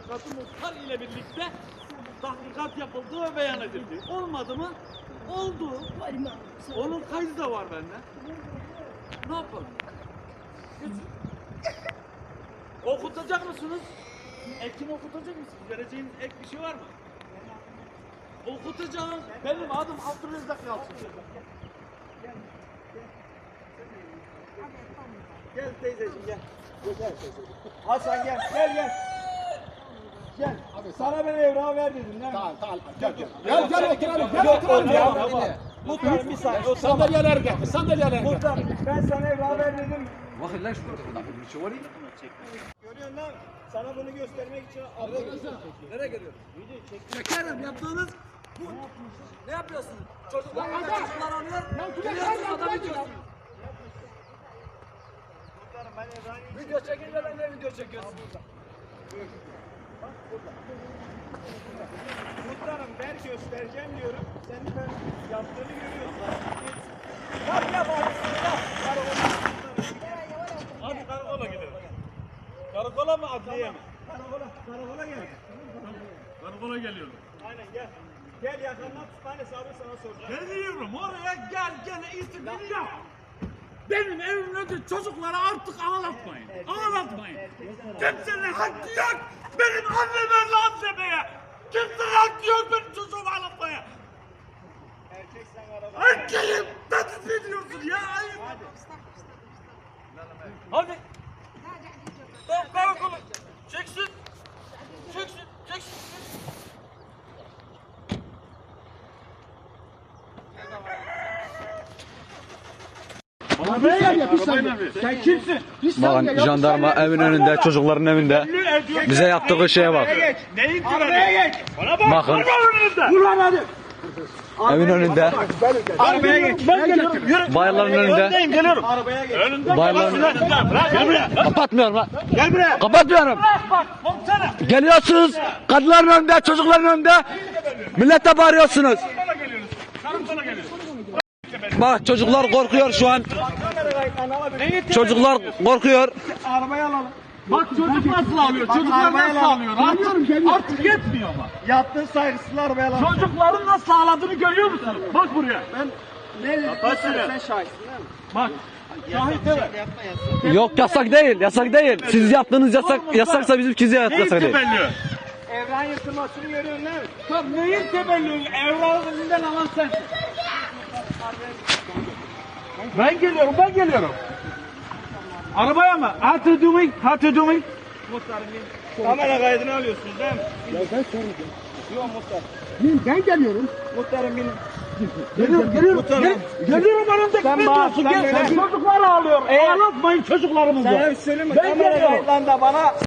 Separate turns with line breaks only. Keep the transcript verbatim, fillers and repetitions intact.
tahkikatı muhtar ile birlikte tahkikat yapıldı ve beyan edildi. Olmadı mı? Oldu. Onun kaydı da var bende. Ne yapalım? Okutacak mısınız? Ekim okutacak mısınız? Vereceğiniz ek bir şey var mı? Okutacağım. Benim adım Abdülrezzak Yalçın.
Gel teyzeciğim gel. Gel teyzeciğim. Hasan gel, gel gel. Gel. Abi sana ben evrağı ver dedim değil mi?
Tamam tamam. Gel gel. Gel gel oturalım. Gel
Yok
oturalım ya.
ya. Muhtarım bir saniye.
Sandalyeler gel. Sandalyeler gel.
Muhtarım ben sana evrağı ver dedim.
Bakın lan şurada bir şey var ya.
Görüyorsun lan. Sana bunu göstermek için abla
Nereye geliyorsun? Şekerim yaptığınız bu. Ne yapıyorsunuz? Çocuklar çocuklar alıyor. Geliyorsunuz adamı diyorsunuz.
Muhtarım ben evrağı
Video çekince ben de video çekiyorsun.
Muhtarım ver göstereceğim diyorum. Sen de ben yaptığını görüyorsun. Bak yap abi.
Hadi karakola gidelim. Karakola mı adliye mi?
Karakola, karakola gel.
Karakola geliyorum.
Aynen gel. Gel yakından kütüphane hesabı sana soracağım.
Geliyorum oraya gel gene istediğini yap. Benim evimin önünde çocukları artık ağlatmayın. Ağlatmayın. Kimsenin hakkı yok. Benim anneme lan demeye. Kimsenin hakkı yok benim çocuğumu ağlatmaya.
Erkek sen araba.
Erkeğim. Nasıl ne diyorsun ya? Ayıp. Hadi. Tamam karakola. Çeksin. Çeksin. Çeksin.
Arabaya gel ya bir saniye. Sen kimsin?
Bakın jandarma evin önünde, çocukların evinde bize yaptığı şeye bak.
Neyin
Arabaya geç.
Bakın
Vur lan hadi.
evin önünde,
Arabaya geç. Ben geliyorum. Yürü.
bayırların önünde,
geliyorum.
Arabaya geç.
bayırların
Gel buraya.
kapatmıyorum lan.
Gel buraya.
Kapatmıyorum.
Bak komutanım.
Geliyorsunuz, kadınların önünde, çocukların önünde, millete bağırıyorsunuz.
Karakola geliyoruz. Karakola geliyoruz.
Bak çocuklar korkuyor şu an.
Kamera kayıtlarını alabilir.
Çocuklar korkuyor.
Arabayı alalım.
Bak çocuk nasıl alıyor? Çocuklar
arabaya
nasıl
lan.
alıyor? Artık, artık yetmiyor mu?
Yaptığın saygısızlığı arabaya alalım.
Çocukların nasıl ağladığını görüyor musun? Bak buraya.
Ne dedin?
Kaç
Sen,
lira?
sen şahitsin değil mi?
Bak. Şahit evet.
Yok yasak değil, yasak değil. Siz yaptığınız yasak, yasaksa bizimkisi yasak
Neyin
değil.
tebellü?
Evren yırtılmasını görüyorsun değil mi?
Tabii neyin tebellü? Evrağın elinden alan sensin. Ben geliyorum, ben geliyorum. Arabaya mı? How to do me? How to do me?
Muhtarım bin. Kamera kaydını alıyorsunuz değil mi?
Ya ben soracağım.
Yok muhtar.
Ben geliyorum.
Muhtarım benim.
Geliyorum, geliyorum.
Muhtarım.
Gel, geliyorum önümde
Sen
ne
bak,
diyorsun?
sen
Gel,
böyle-
çocuklar ağlıyor. Ağlatmayın çocuklarımızı.
Sana bir söyleyeyim mi?
Ben
Kamera
geliyorum.
kayıtlarında bana